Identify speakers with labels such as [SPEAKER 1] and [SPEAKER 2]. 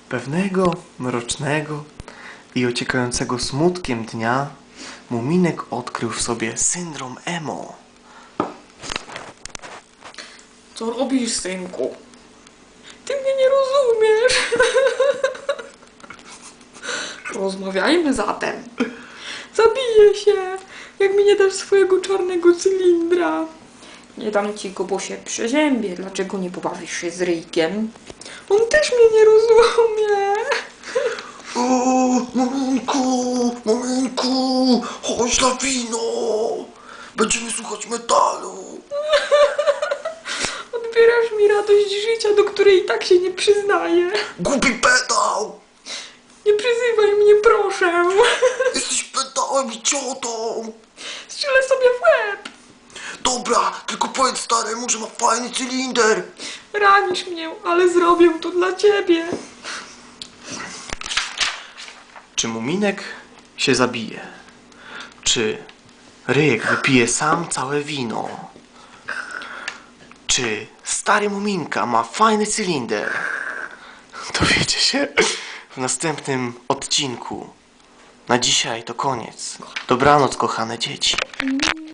[SPEAKER 1] Pewnego mrocznego i ociekającego smutkiem dnia Muminek odkrył w sobie syndrom emo.
[SPEAKER 2] Co robisz, synku? Ty mnie nie rozumiesz. Rozmawiajmy zatem. Zabiję się, jak mi nie dasz swojego czarnego cylindra. Nie dam ci go, bo się przeziębię. Dlaczego nie pobawisz się z Ryjkiem? On też mnie nie rozumie.
[SPEAKER 3] O, Muminku, chodź na wino. Będziemy słuchać metalu.
[SPEAKER 2] Odbierasz mi radość życia, do której i tak się nie przyznaję.
[SPEAKER 3] Głupi pedał.
[SPEAKER 2] Nie przyzywaj mnie, proszę.
[SPEAKER 3] Jesteś pedałem i ciotą.
[SPEAKER 2] Strzelę sobie w łeb.
[SPEAKER 3] Dobra, tylko powiedz staremu, że ma fajny cylinder.
[SPEAKER 2] Ranisz mnie, ale zrobię to dla ciebie.
[SPEAKER 1] Czy Muminek się zabije? Czy Ryjek wypije sam całe wino? Czy stary Muminka ma fajny cylinder? Dowiecie się w następnym odcinku. Na dzisiaj to koniec. Dobranoc, kochane dzieci.